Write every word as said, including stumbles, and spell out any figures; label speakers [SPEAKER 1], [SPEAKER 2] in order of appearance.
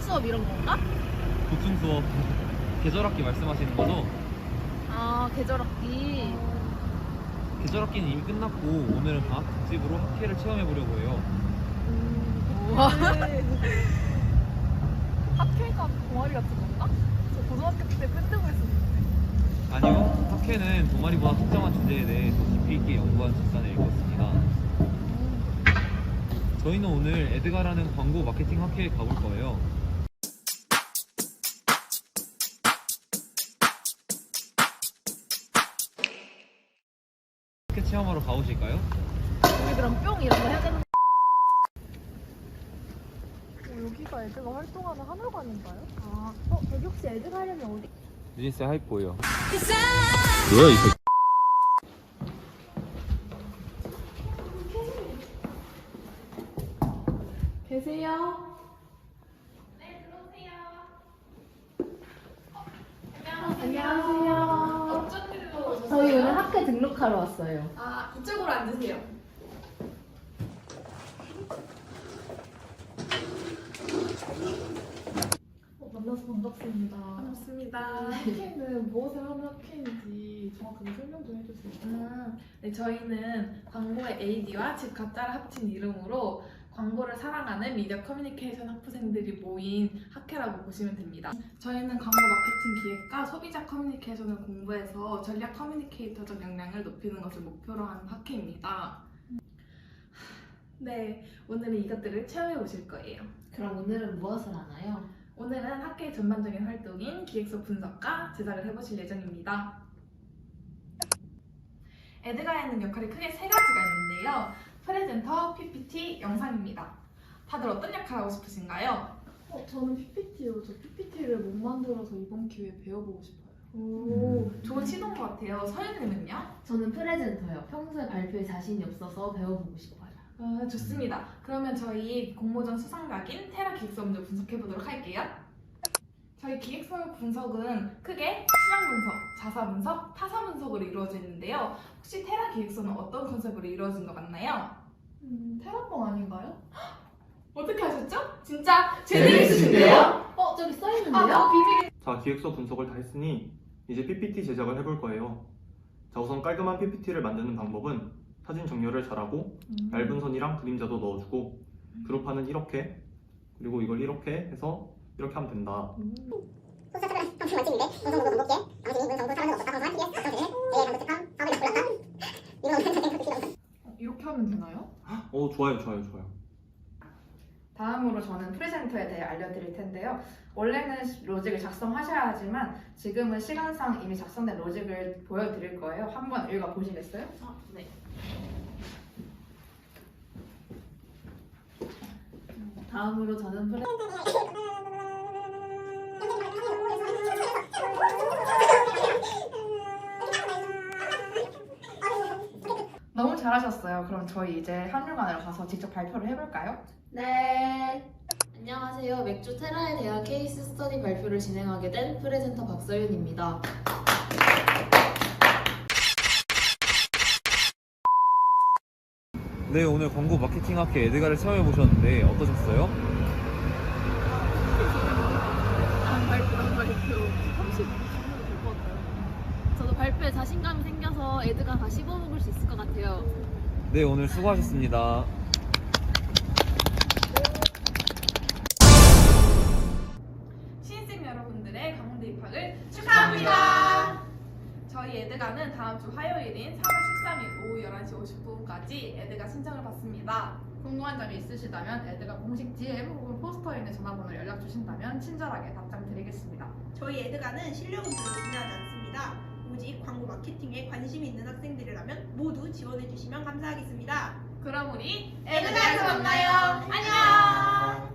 [SPEAKER 1] 수업 이런 건가?
[SPEAKER 2] 보충 수업 계절학기 말씀하시는 거죠?
[SPEAKER 1] 아, 계절학기.
[SPEAKER 2] 계절학기는 이미 끝났고 오늘은 방학 특집으로 학회를 체험해 보려고 해요.
[SPEAKER 1] 우와. 학회가 동아리 같은 건가? 저 고등학교 때 밴드부 했었는데.
[SPEAKER 2] 아니요, 학회는 동아리보다 특정한 주제에 대해 더 깊이 있게 연구한 집단을 읽었습니다. 저희는 오늘 에드가라는 광고 마케팅 학회에 가볼 거예요. 학회 체험하러 가보실까요?
[SPEAKER 1] 우리 그럼 뿅 이런 거 해야 되는 거. 어, 여기가 애드가 활동하는 하늘관인가요? 아, 어, 여기 혹시 애드가 하려면 어디?
[SPEAKER 2] 뉴진스의 하이포예요. 뭐야 이 새끼.
[SPEAKER 1] 계세요? 안녕하세요.
[SPEAKER 3] 어쩐 일로 오셨어요?
[SPEAKER 1] 저희 오늘 학회 등록하러 왔어요.
[SPEAKER 3] 아, 이쪽으로 앉으세요.
[SPEAKER 1] 어, 만나서 반갑습니다.
[SPEAKER 3] 반갑습니다.
[SPEAKER 4] 학회는 무엇을 하는 학회인지 정확하게 설명 좀 해주세요.
[SPEAKER 3] 음, 네, 저희는 광고의 에이디와 집 가짜를 합친 이름으로 광고를 사랑하는 미디어 커뮤니케이션 학부생들이 모인 학회라고 보시면 됩니다. 저희는 광고 마케팅 기획과 소비자 커뮤니케이션을 공부해서 전략 커뮤니케이터적 역량을 높이는 것을 목표로 하는 학회입니다. 네, 오늘은 이것들을 체험해 보실 거예요.
[SPEAKER 1] 그럼 오늘은 무엇을 하나요?
[SPEAKER 3] 오늘은 학회의 전반적인 활동인 기획서 분석과 제작을 해보실 예정입니다. 에드가에는 역할이 크게 세 가지가 있는데요. 프레젠터, 피피티, 영상입니다. 다들 어떤 역할 하고 싶으신가요?
[SPEAKER 4] 어, 저는 피피티요. 저 피피티를 못 만들어서 이번 기회에 배워보고 싶어요.
[SPEAKER 3] 오, 좋은 시도인 것 같아요. 서윤님은요?
[SPEAKER 5] 저는 프레젠터요. 평소에 발표에 자신이 없어서 배워보고 싶어요.
[SPEAKER 3] 아, 좋습니다. 그러면 저희 공모전 수상작인 테라 기획서 먼저 분석해보도록 할게요. 저희 기획서 분석은 크게 시장 분석, 자사 분석, 타사 분석으로 이루어져 있는데요. 혹시 테라 기획서는 어떤 컨셉으로 이루어진 것 같나요?
[SPEAKER 4] 음, 테라뻥 아닌가요?
[SPEAKER 3] 어떻게 하셨죠? 진짜 재미있으신데요?
[SPEAKER 5] 어, 저기 써있는데요?
[SPEAKER 3] 아, 비밀.
[SPEAKER 6] 자, 기획서 분석을 다 했으니 이제 피피티 제작을 해볼 거예요. 자, 우선 깔끔한 피피티를 만드는 방법은 사진 정렬을 잘하고
[SPEAKER 4] 음.
[SPEAKER 6] 얇은 선이랑 그림자도 넣어주고 그룹화는 이렇게 그리고 이걸 이렇게 해서 이렇게 하면 된다.
[SPEAKER 7] 소수자들은 방송 만점인데 방송보고 반복해 방송이 문성부 사람은 없었다 방송한 티비에스 방송되는 에이아이 방송 특강 사업을 다 골랐다 이런 건
[SPEAKER 4] 어, 이렇게 하면 되나요?
[SPEAKER 6] 어, 좋아요, 좋아요, 좋아요.
[SPEAKER 8] 다음으로 저는 프레젠터에 대해 알려드릴 텐데요. 원래는 로직을 작성하셔야 하지만 지금은 시간상 이미 작성된 로직을 보여드릴 거예요. 한번 읽어보시겠어요?
[SPEAKER 5] 아, 네. 다음으로 저는 프레...
[SPEAKER 8] 너무 잘하셨어요. 그럼 저희 이제 한율관으로 가서 직접 발표를 해볼까요?
[SPEAKER 5] 네. 안녕하세요. 맥주 테라에 대한 케이스 스터디 발표를 진행하게 된 프레젠터 박서윤입니다.
[SPEAKER 2] 네, 오늘 광고 마케팅 학회 에드가를 체험해 보셨는데 어떠셨어요?
[SPEAKER 1] 다음 발표, 다음 발표. 삼십 분 될것 같아요. 저도 발표에 자신감이 생겨서 애드가 다 씹어먹을 수 있을 것 같아요.
[SPEAKER 2] 네, 오늘 수고하셨습니다.
[SPEAKER 3] 신입생 여러분들의 강원대 입학을 축하합니다. 저희 에드가는 다음 주 화요일인 삼월 십삼일 오후 열한 시 오십 분까지 에드가 신청을 받습니다.
[SPEAKER 8] 궁금한 점이 있으시다면 에드가 공식 디엠 혹은 포스터에 있는 전화번호로 연락 주신다면 친절하게 답장 드리겠습니다.
[SPEAKER 9] 저희 에드가는 실력은 별로 중요하지 않습니다. 오직 광고 마케팅에 관심이 있는 학생들이라면 모두 지원해 주시면 감사하겠습니다.
[SPEAKER 3] 그럼 우리
[SPEAKER 9] 에드가에서 만나요. 안녕.